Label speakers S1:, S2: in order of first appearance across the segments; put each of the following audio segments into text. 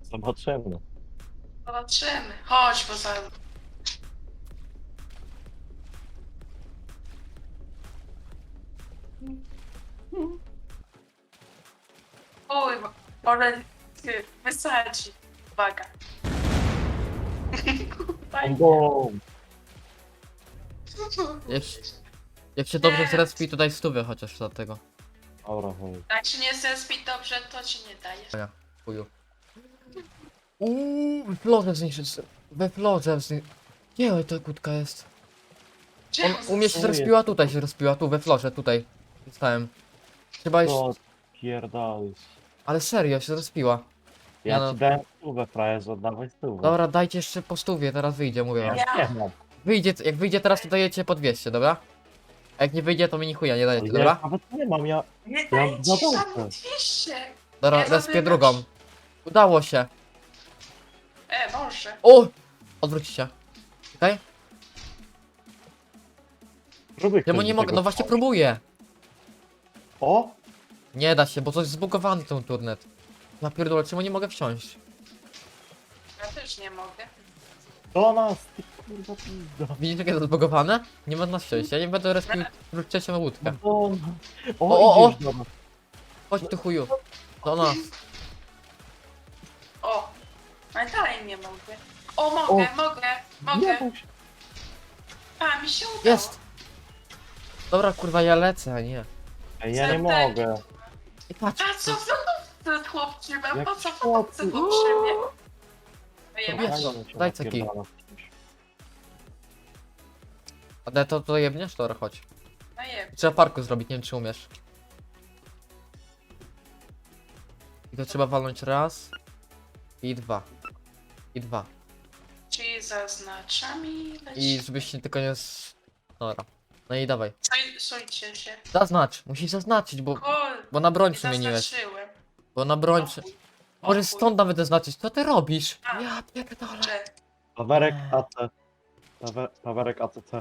S1: Zobaczymy.
S2: Zobaczymy. Chodź, bo za... Uj, ale ty wysadzi. Uwaga.
S1: Bum.
S3: Jak się dobrze
S2: Nie.
S3: zrespi, to daj stówę chociaż do tego.
S1: Dobra, chuj.
S2: Jak się nie zespij dobrze, to ci nie daje.
S3: Chuju. We florze zniszczyć. We florze zniszczyć. Gdzie ta kłódka jest? U mnie się
S1: Co
S3: zrespiła,
S1: jest?
S3: tutaj się zrespiła, tu we florze, tutaj. Zostałem. Trzeba iść.
S1: Co pierdolisz?
S3: Ale serio, się zrespiła.
S1: Ja
S3: Nie no.
S1: ci dałem stówę, frajerze, oddawaj stówę.
S3: Dobra, dajcie jeszcze po stówie, teraz wyjdzie, mówię wam.
S1: Ja nie mam.
S3: Wyjdzie, jak wyjdzie teraz, to dajecie po 200, dobra? A jak nie wyjdzie, to mi ni chuja nie dajecie,
S1: Ja
S3: dobra?
S1: nawet nie mam, ja...
S2: Nie
S1: Ja
S2: daje ci
S1: za
S2: żadnych
S1: dobrze.
S2: 200.
S3: Dobra,
S2: Ja
S3: respię
S2: zrobię
S3: drugą. Udało się.
S2: Może.
S3: O! Odwróć się. Okej?
S1: Próbuj
S3: Czemu
S1: ktoś
S3: nie
S1: do
S3: mogę?
S1: tego
S3: No właśnie
S1: wpaść.
S3: próbuję.
S1: O!
S3: Nie da się, bo coś zbugowany ten turnet. Ja pierdolę, czemu nie mogę wsiąść?
S2: Ja też nie mogę.
S1: Do nas, ty kurwa pizda.
S3: Widzisz, jakie to zbugowane? Nie można wsiąść, ja nie będę respił trzecią łódkę.
S1: Do nas.
S3: O,
S1: Idziesz do nas.
S3: Chodź tu chuju. Do nas.
S2: O. Ale dalej nie mogę. O, mogę.
S1: Nie bój się.
S2: A, mi się udało.
S3: Jest! Dobra, kurwa, ja lecę, a nie.
S1: Ej, ja nie
S2: Serdecznie.
S1: mogę.
S3: I patrz.
S2: A co za ten chłopczyk?
S1: Jak
S2: Po co
S1: chłopcy?
S2: chłopcy tu przy mnie? Wyjebać.
S3: Wiesz,
S1: Fajnie się
S3: daj ceki.
S1: napierdala.
S3: A to jebniesz? Dobra, chodź.
S2: No jeb.
S3: Trzeba parku zrobić, nie wiem czy umiesz. I to trzeba walnąć raz. I dwa. I dwa.
S2: Czyli zaznaczam i
S3: I
S2: leci.
S3: żebyś się tylko nie Dobra. No i dawaj.
S2: Sojcie się.
S3: Zaznacz, musisz zaznaczyć, bo
S2: Kurde,
S3: na broń
S2: nie
S3: przemieniłeś.
S2: zaznaczyłem.
S3: Bo na broń prze... Możesz stąd nawet zaznaczyć, co ty robisz?
S2: A.
S3: Ja pierdolę.
S2: Że
S1: Pawerek AC. Pawerek ACC.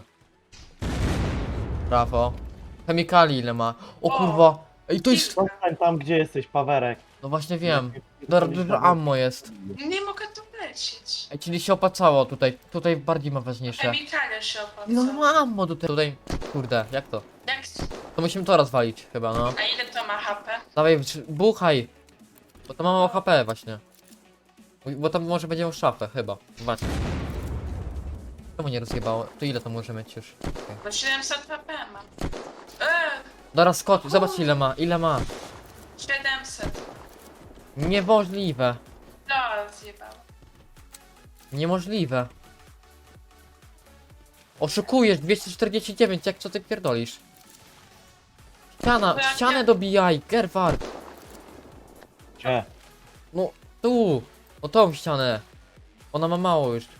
S3: Brawo. Chemikali ile ma? O
S2: O.
S3: kurwa. Ej, to jest...
S1: Zostań tam, gdzie jesteś, Pawerek.
S3: No właśnie wiem. Dużo ammo jest.
S2: nie mogę tu lecieć.
S3: Ej, czyli się opłacało tutaj. Tutaj bardziej ma ważniejsze.
S2: Chemikalia się
S3: No
S2: opłaca.
S3: ma ammo tutaj. Kurde, jak to?
S2: Jak...
S3: To musimy to rozwalić chyba, no.
S2: A ile to ma HP?
S3: Dawaj, buchaj. Bo to ma mało HP właśnie. Bo tam może będzie szafę chyba. Zobaczcie. Czemu nie rozjebało? To ile to może mieć już? Okay.
S2: Bo 700 HP mam.
S3: Dobra, skocz, zobacz ile ma, ile ma.
S2: 700.
S3: Niemożliwe.
S2: No, zjebał.
S3: Niemożliwe. Oszukujesz, 249, jak co ty pierdolisz?
S2: No,
S3: Ścianę dobijaj, Gerward.
S1: Gdzie?
S3: No, tu. No tą ścianę. Ona ma mało już.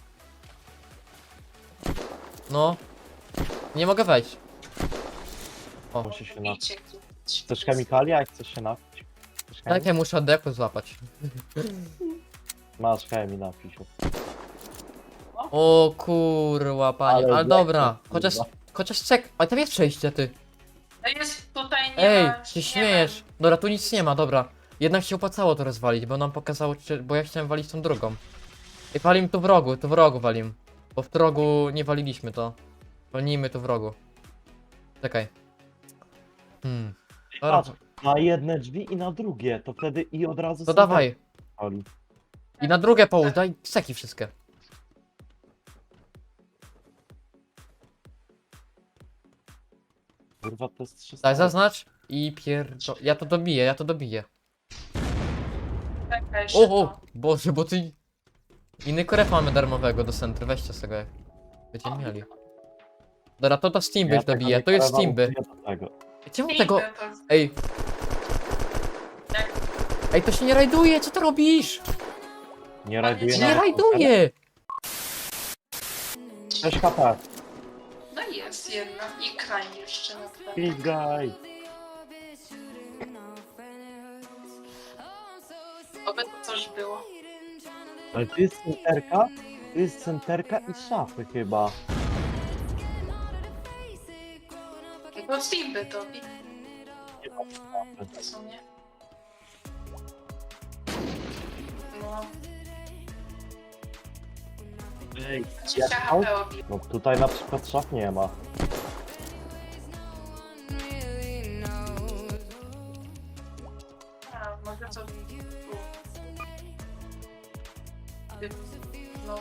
S3: No. Nie mogę wejść. O,
S1: Musi się napić.
S2: Idźcie tu.
S1: Chcesz chemikalia, jak chcesz się napić? Chcesz
S3: tak ja muszę deku złapać.
S1: Masz chemii napić.
S3: O kurwa, panie, ale
S1: Ale
S3: dobra.
S1: kurwa.
S3: Chociaż czek. A tam jest przejście, ty.
S2: No jest tutaj nie
S3: Ej,
S2: ma...
S3: się
S2: nie
S3: śmiejesz. Dobra, tu nic nie ma, dobra. Jednak się opłacało to rozwalić, bo nam pokazało, bo ja chciałem walić tą drugą. I walim tu w rogu walim. Bo w rogu nie waliliśmy to. Walnijmy tu w rogu. Czekaj. Dobra,
S1: Patrz, na jedne drzwi i na drugie, to wtedy i od razu
S3: to
S1: są
S3: dawaj.
S1: wali.
S3: I na drugie połóż, daj seki wszystkie.
S1: Kurwa, to jest 300.
S3: Daj, zaznacz. I Ja to dobiję,
S2: Czekaj, jeszcze
S3: O, Boże, bo ty... Inny koref mamy darmowego do centry, weźcie z tego jak będziemy mieli. Dobra, to Steamby
S1: Ja tego
S3: dobije,
S1: nie
S3: to jest
S1: kierował,
S3: Steamby.
S1: nie do tego.
S3: Czemu
S2: to.
S3: tego...
S2: Idę, to...
S3: Ej,
S2: Jak...
S3: ej, to się nie rajduje, co ty robisz?
S1: Nie rajduje
S3: Nie
S1: nawet.
S3: rajduje!
S1: 6 HP.
S2: No jest jedna. I krań jeszcze na tle.
S1: Pizgaj.
S2: Oby to coś było.
S1: Ale tu jest centerka? Tu jest centerka i szafy chyba.
S2: No Steamby to
S1: Nie ma szafy.
S2: w sumie. No.
S1: Ej,
S2: 20
S1: jak
S2: HP obił.
S1: no tutaj na przykład szaf nie ma.
S2: A, może to... No.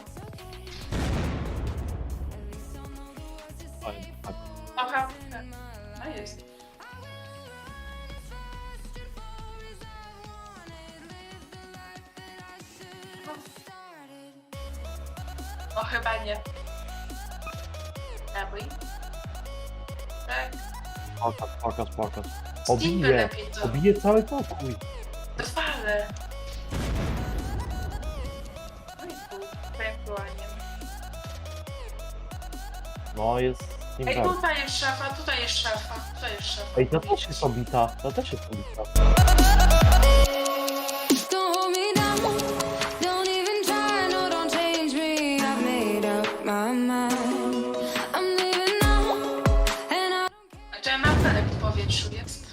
S1: Oj, tak.
S2: Aha. No jest. O, chyba nie. Nabój. Tak.
S1: Pokaż.
S2: Steamby
S1: Obije,
S2: lepiej to.
S1: obije cały pokój.
S2: Fale. No i tu. Ewentualnie.
S1: No jest
S2: Ej,
S1: Steamberg.
S2: tutaj jest szafa, tutaj jest szafa, tutaj jest szafa.
S1: Ej, to też jest obita, to też jest obita.
S4: Don't hold me down, don't even try, no, don't change me. I've made up my mind. I'm leaving now, and I
S2: A to ja mam felek w powietrzu jest.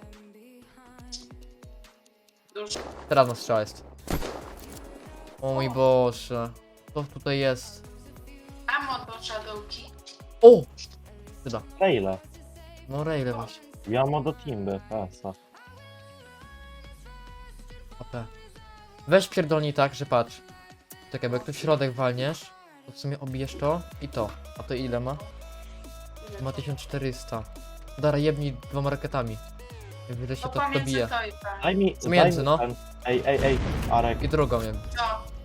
S2: Dużo.
S3: Teraz na strzał jest. O mój Boże. Co tutaj jest?
S2: Amo do Shadowki.
S3: O! Chyba.
S1: Raile.
S3: No raile właśnie.
S1: Ja mam do Timby, pesa.
S3: AP. Weź pierdolnij tak, że patrz. Czekaj, bo jak tu w środek walniesz, to w sumie obijesz to i to. A to ile ma? Ma 1400. Dara jebnij 2 rakietami. Jak widzę się
S2: No
S3: to
S2: pomiędzy
S3: dobije.
S2: to i tak.
S1: Daj mi,
S3: Między,
S1: daj mi
S3: no.
S1: ten. Ej, Arek.
S3: I drugą jakby.
S2: No.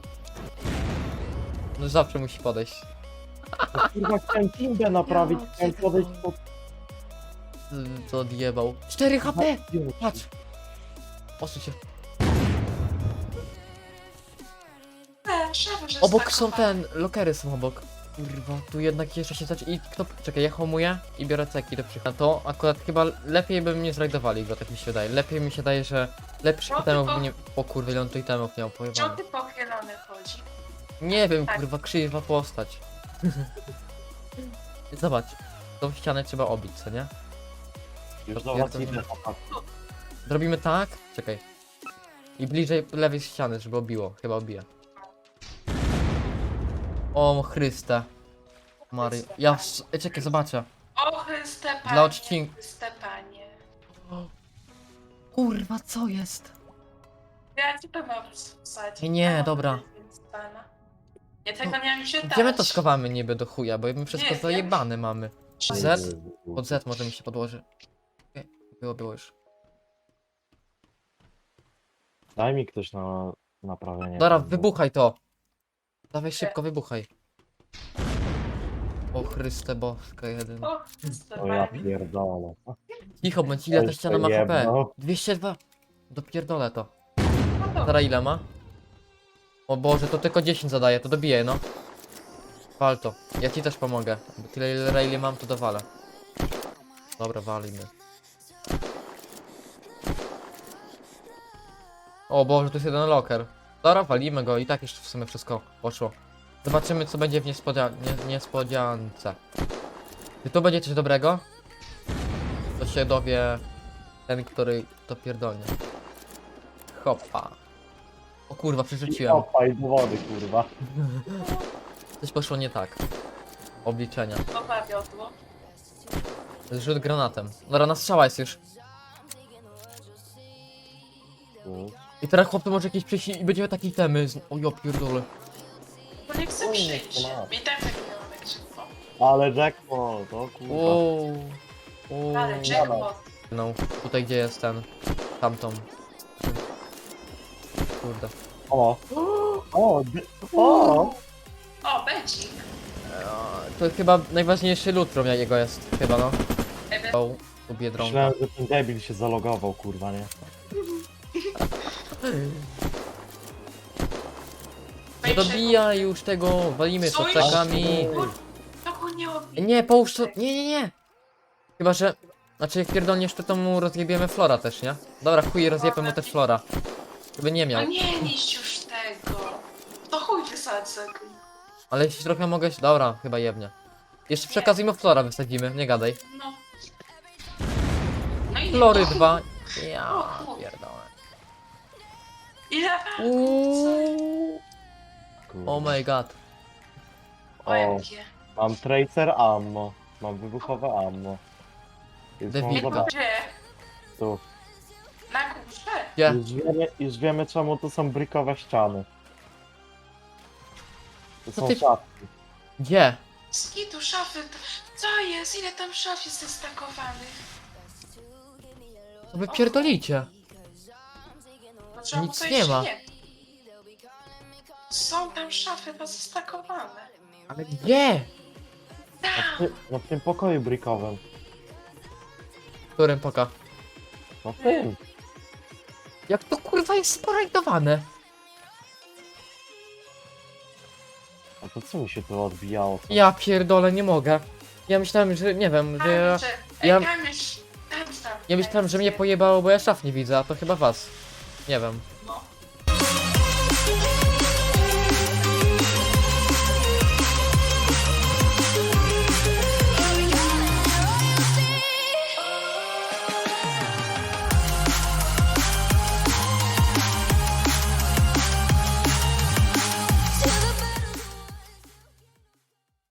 S3: No zawsze musi podejść.
S1: No, kurwa, chciałem Timbę naprawić,
S2: Ja
S1: chciałem podejść pod...
S3: Co odjebał. 4 HP! Patrz! Osuń się.
S2: Szafa, że
S3: Obok są
S2: spakowane.
S3: lokery są obok. Kurwa, tu jednak jeszcze się zacznie. I kto. Czekaj, ja homuję i biorę ceki do przychodu. To akurat chyba lepiej by mnie zrajdowali go, tak mi się wydaje. Lepiej mi się daje, że lepszy
S2: No,
S3: itemów
S2: tylko-
S3: nie. O kurwa, ile on tu itemów miał,
S2: Czemu
S3: pojebane.
S2: ty pochylony chodzi?
S3: Nie wiem,
S2: Tak.
S3: kurwa, krzywa postać. Zobacz, tą ścianę trzeba obić, co nie?
S1: Już
S3: To
S1: do was
S3: pierdolę.
S1: idę, chłopak.
S3: Zrobimy tak. Czekaj. I bliżej lewej ściany, żeby obiło. Chyba obije. O Chryste. Mario. Czekaj, zobaczę.
S2: O Chryste Panie.
S3: Dla odcinku.
S2: Chryste Panie.
S3: Kurwa, co jest?
S2: Ja ci to mam wsadzić.
S3: Nie,
S2: A,
S3: dobra.
S2: więc pana. Ja tego nie mam się dać.
S3: Gdzie my to schowamy niby do chuja, bo my wszystko
S2: Nie,
S3: zajebane mamy.
S2: Czy-
S3: Z? Pod Z może mi się podłoży. Okej, było już.
S1: Daj mi ktoś na naprawienie.
S3: Dobra,
S1: tego.
S3: wybuchaj to. Dawaj szybko, wybuchaj. O Chryste boska jedyna.
S2: O Chryste
S1: O ja
S2: Panie.
S1: pierdolę.
S3: Cicho, bądź ile ta
S1: Już
S3: ściana ma
S1: to
S3: HP?
S1: jebno.
S3: 202. Dopierdolę to.
S2: No dobra.
S3: Teraz ile ma? O Boże, to tylko 10 zadaje, to dobiję, no. Wal to. Ja ci też pomogę. Bo tyle ile raili mam, to dowalę. Dobra, walimy. O Boże, tu jest jeden locker. Dobra, walimy go i tak jeszcze w sumie wszystko poszło. Zobaczymy, co będzie w niespodziance. Czy tu będzie coś dobrego? To się dowie ten, który to pierdolnie. Hopa. O kurwa, przerzuciłem.
S1: Opaj do wody, kurwa.
S3: Coś poszło nie tak. Obliczenia.
S2: Nowa wiodło.
S3: Zrzut granatem. Dobra, na strzała jest już. I teraz chłop tu może jakieś przyjść i będziemy takie temy. O ja pierdolę.
S2: Bo nie chcę
S1: O,
S2: przyjść.
S1: to ma.
S2: I tak nie mam jak szybko.
S1: Ale jackpot, o kurwa.
S3: Wow. Wow.
S2: Ale jackpot.
S3: No, tutaj gdzie jest ten. Tamtą. Kurde.
S1: O! O! O!
S2: O, becik.
S3: To chyba najważniejszy lutrum jego jest. Chyba no.
S2: Ebe.
S3: O, tu Biedronka.
S1: Myślałem, że ten debil się zalogował, kurwa, nie?
S3: Nie dobijaj już tego, walimy
S2: Co
S3: soczekami.
S2: To go nie obi.
S3: Nie, połóż to. Nie. Chyba, że. Znaczy, jak pierdolniesz, to mu rozjebiemy flora też, nie? Dobra, chuj, rozjebiemy mu też flora. Żeby nie
S2: No
S3: miał.
S2: nie niszcz już tego. To chuj wysadzę.
S3: Ale jeśli trochę mogę. Dobra, chyba jebnie. Jeszcze przy okazji mu flora wysadzimy, nie gadaj.
S2: No. No i
S3: Flory
S2: nie.
S3: 2. Ja pierdolę.
S2: Ile?
S3: Uuuu.
S1: Kurwa.
S3: Oh my god.
S2: OMG.
S1: Mam tracer ammo. Mam wybuchowe ammo. Więc mam
S3: Debilka.
S1: zobaczyć
S2: Gdzie?
S1: tu.
S2: Na górze?
S3: Gdzie?
S1: Już wiemy czemu to są brikowe ściany. To
S3: Co
S1: są
S3: ty-
S1: szafki.
S3: Gdzie?
S2: Skitu, szafy. Co jest? Ile tam szaf jest zestakowanych?
S3: Co wy pierdolicie?
S2: No, czemu
S3: Nic
S2: to
S3: nie
S2: jeszcze
S3: ma.
S2: Są tam szafy pozestakowane.
S3: Ale gdzie?
S2: Tam!
S1: No w tym pokoju brikowym.
S3: W którym poka?
S1: No w tym.
S3: Jak to kurwa jest sporajdowane?
S1: A to co mi się tu odbijało? Co?
S3: Ja pierdolę, nie mogę. Ja myślałem, że nie wiem, że ja... ja-
S2: Kamiesz, tam.
S3: Ja myślałem, że mnie pojebało, bo ja szaf nie widzę, a to chyba was. Nie wiem.
S2: No.